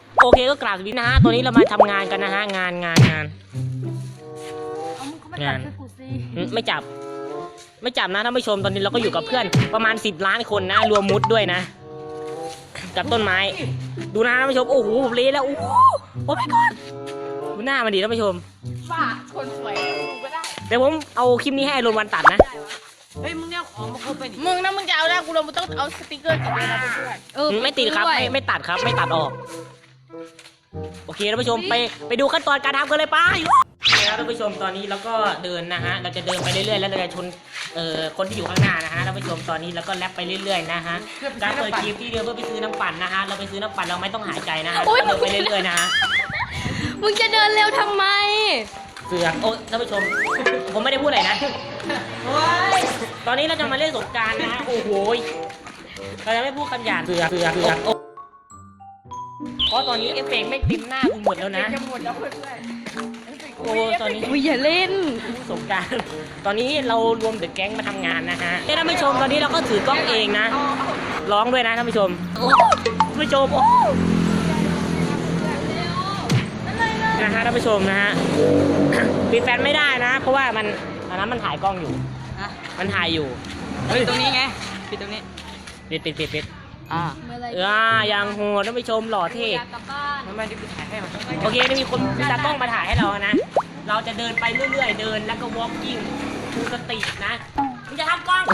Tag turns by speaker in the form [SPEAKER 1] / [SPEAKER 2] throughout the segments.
[SPEAKER 1] โอเคก็กราบสวัสดีนะฮะตอนนี้เรามาทำงานกันนะฮะงาน
[SPEAKER 2] เอามึงเขาไม่จับช่วยกูสิ
[SPEAKER 1] ไม่จับนะท่านผู้ชมตอนนี้เราก็อยู่กับเพื่อนประมาณ10 ล้านคนนะรวมมุดด้วยนะ กับต้นไม้ดูนะท่านผู้ชมโอ้โหเละแล้วโอ้โหโอ้ my god ดูหน้ามันดีท่านผู้ชม
[SPEAKER 2] ป้าคนสวยกูก็ได้
[SPEAKER 1] เดี๋ยวผมเอาคลิปนี้ให้อารมณ์วันตัดนะ
[SPEAKER 2] เฮ้ยมึงเนี่ยของมาครบไปดิมึงนะมึงจะเอาได้กูเราต้องเอาสติกเกอร์ติดเลยนะเพื่อน
[SPEAKER 1] ไม่ติดครับไม่ตัดครับไม่ตัดออกโอเคท่านผู้ชมไปดูขั้นตอนการทำกันเลยไปท่านผู้ชมตอนนี้เราก็เดินนะฮะเราจะเดินไปเรื่อยๆแล้วเราจะชนคนที่อยู่ข้างหน้านะฮะท่านผู้ชมตอนนี้เราก็แลปไปเรื่อยๆนะฮะการเปิดคลิปที่เดินเพื่อไปซื้อน้ำปั่นนะฮะเราไปซื้อน้ำปั่นเราไม่ต้องหายใจนะฮะเดินไปเรื่อยๆนะฮะ
[SPEAKER 3] มึงจะเดินเร็วทำไม
[SPEAKER 1] เสือกโอ้ท่านผู้ชมผมไม่ได้พูดอะไรนะตอนนี้เราจะมาเล่นสงกรานต์นะฮะโอ้โหเราจะไม่พูดคำหยาบเสือกเพราะตอนนี้เอฟเฟกต์ไม่เต็มหน้ากูหมดแล้วนะ
[SPEAKER 2] จะหมดแล้วเพื่อน
[SPEAKER 1] โอ้ตอนนี้
[SPEAKER 3] อุ้ยอย่าเล่น
[SPEAKER 1] สงกรานต์ตอนนี้เรารวมเดอะแก๊งมาทำงานนะฮะท่านผู้ชมตอนนี้เราก็ถือกล้องเองนะร้องด้วยนะท่านผู้ชมท่านผู้ชมโอ้นะฮะท่านผู้ชมนะฮะปิดแฟนไม่ได้นะเพราะว่ามันอันนั้นมันถ่ายกล้องอยู่มันถ่ายอยู่
[SPEAKER 2] ปิดตรงนี้ไงปิดตรงนี้
[SPEAKER 1] ปิด
[SPEAKER 2] อ่า
[SPEAKER 1] ยังโหดท่านผู้ชมหล่อเท่
[SPEAKER 2] ทำไมดิกูถ่ายให้มัน
[SPEAKER 1] โอเคนี่มีคนมีตากล้องมาถ่ายให้เรานะเราจะเดินไปเรื่อยๆเดินแล้วก็ walking ทูสตินะมึงจะทำกล้อง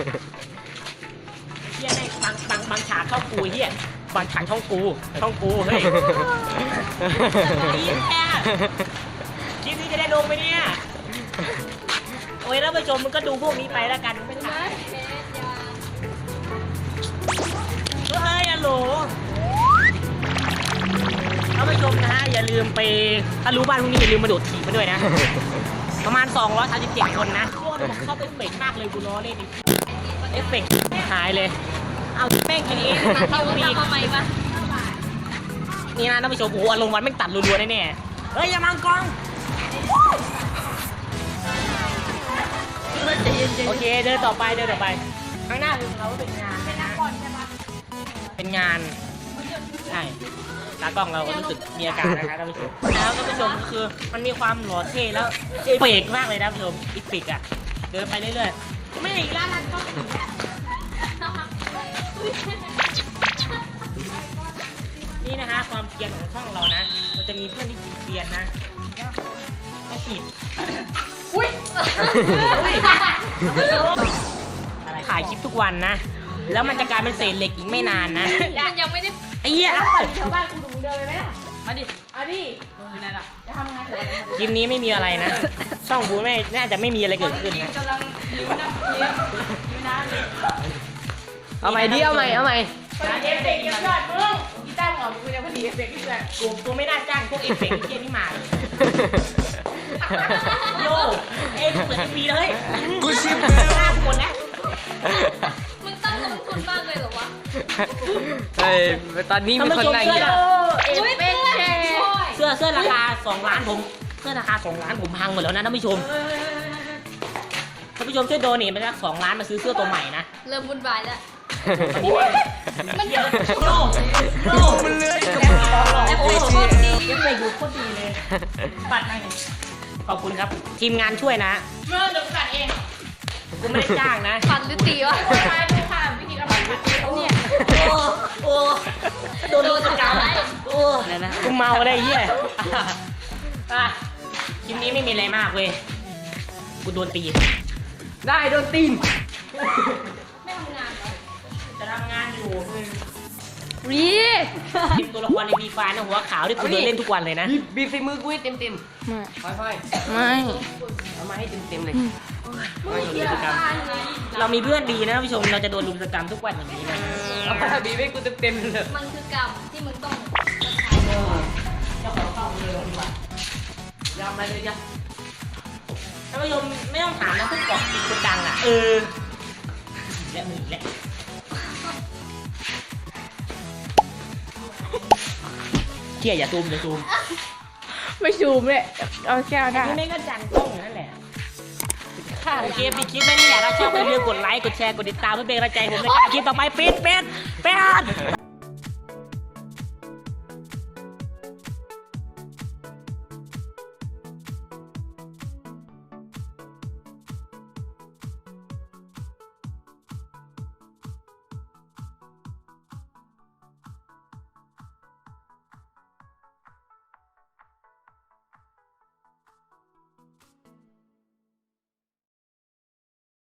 [SPEAKER 1] เฮียในบางฉากช่องกูเฮียบางฉากช่องกูเฮ้ยคลิปนี้จะได้ลงไหมเนี่ยโอ้ยแล้วผู้ชมมันก็ดูพวกนี้ไปแล้วกันไม่ถ่ายเฮ้ยฮัลโหลท่านผู้ชมนะฮะอย่าลืมไปถ้ารู้บ้านพวกนี้อย่าลืมมาโดดถีบมาด้วยนะ ประมาณ237คนนะโคตรเข้าไปเอฟเฟกต์มากเลยกูล้อเล่นเอฟเฟกต์หายเลยเอาแม่งกันเองเข้าปีก
[SPEAKER 3] ทำไมวะ
[SPEAKER 1] นี่นะท่านผู้ชมโอ้โหอารมณ์วันแม่งตัดรัวๆแน่ๆเฮ้ยอย่ามังกรโอเคเดินต่อไปข้างหน้าคือเราเป็นงานเป็นงานใช่ตากล้องเราก็รู้สึกมีอาการนะคะท่านผู้ชมแล้วท่านผู้ชมคือมันมีความหล่อเท่แล้วเอฟเฟกต์มากเลยนะท่านผู้ชมอีปิกอ่ะเดินไปเรื่อยๆไม่อีกแล้วก็นี่นะฮะความเกรียนของช่องเรานะมันจะมีเพื่อนที่เกรียนนะไม่ผิดถ่ายคลิปทุกวันนะแล้วมันจะกลายเป็นเศษเหล็กอีกไม่นานนะ
[SPEAKER 3] มันยังไม่ได้
[SPEAKER 1] ไอ้เหี้ย
[SPEAKER 2] ชาวบ้านกูดูเดินไปไหมล่ะมาดิเอาดิอยู่ไหนล่ะจะทำไง
[SPEAKER 1] คลิปนี้ไม่มีอะไรนะช่องบูไม่น่าจะไม่มีอะไรเกิดขึ้นนะ
[SPEAKER 2] กำลังยิ้มน้ำยิ้มน้ำเลย
[SPEAKER 1] เอาใหม่ดิเอาใหม่
[SPEAKER 2] เอฟเฟกต์ยอดมึงกีตาร์หอมกูจะพอดีเอฟเฟกต์ที่เพื่อน
[SPEAKER 1] กูไม่น่าจ้างพวกเอฟเฟกต์เที่ยนี่มาเลยโยเอ็มเหมือนมีเลยกูชิมหน้าคนแล้ว
[SPEAKER 3] มึงตั้งลงทุนมากเลยเหรอวะ
[SPEAKER 4] เฮ้ยตอนนี้มีคนนั่งอยู่
[SPEAKER 3] เอฟเฟกต์แชร์
[SPEAKER 1] เสื้อราคา2 ล้านผมเสื้อราคา2 ล้านผมพังหมดแล้วนะท่านผู้ชมช่วยโดเนทมาสัก2 ล้านมาซื้อเสื้อตัวใหม่นะ
[SPEAKER 3] เริ่มวุ่นวายแล้ว
[SPEAKER 1] มันเยอะโยมันเลื้อย
[SPEAKER 3] เอฟเฟกต์โคตรดี
[SPEAKER 1] เอฟเฟกต์อยู่โคตรดีเลยปัดมาขอบคุณครับทีมงานช่วยนะ
[SPEAKER 2] เมื่อเดี๋ยวกัดเอง
[SPEAKER 1] กูไม่ได้จ้างนะ
[SPEAKER 3] ฟันหรือตีวะ
[SPEAKER 2] มาดูค่ะวิธีการปัดเนี่ย
[SPEAKER 1] โอ้โดนสกาวโอ้กูเมาได้เหี้ยคลิปนี้ไม่มีอะไรมากเว้ยกูโดนตีได้โดนตีน
[SPEAKER 3] ไม่ทำงานเหรอ
[SPEAKER 1] จะทำงานอยู่
[SPEAKER 3] รี
[SPEAKER 1] ทีมตัวละครในบีฟานะหัวขาวที่กูเดินเล่นทุกวันเลยนะ
[SPEAKER 4] บีบใส่มือกูให้เต็ม
[SPEAKER 3] ไม่
[SPEAKER 4] ๆค่อย
[SPEAKER 3] ไม่
[SPEAKER 4] ๆเอามาให้เต็มๆเลย
[SPEAKER 1] เรามีเพื่อนดีนะท่านผู้ชมเราจะโดนลุมสกรรมทุกวันอย่างนี้นะ
[SPEAKER 4] เอามาบีบให้กูเต็มๆเลย
[SPEAKER 3] มันคือกรรมที่มึงต้อง
[SPEAKER 1] เจ้าของเข้าเลยดีกว่ายอมไปเลยจ้ะท่านผู้ชมไม่ต้องถามนะพวกเกาะติดคนดังอ่ะและมือและเที่ยอย่าซูมอย่าซูม
[SPEAKER 2] ไม่ชูมเลยเอาแก้วได้
[SPEAKER 1] นี่ไม่ก็จังกล้องนั่นแหละโอเคปิดคลิปไม่นี่แหละถ้าชอบอย่าลืมกดไลค์กดแชร์กดติดตามเพื่อเป็นกำลังใจผมในการคลิปต่อไปปิด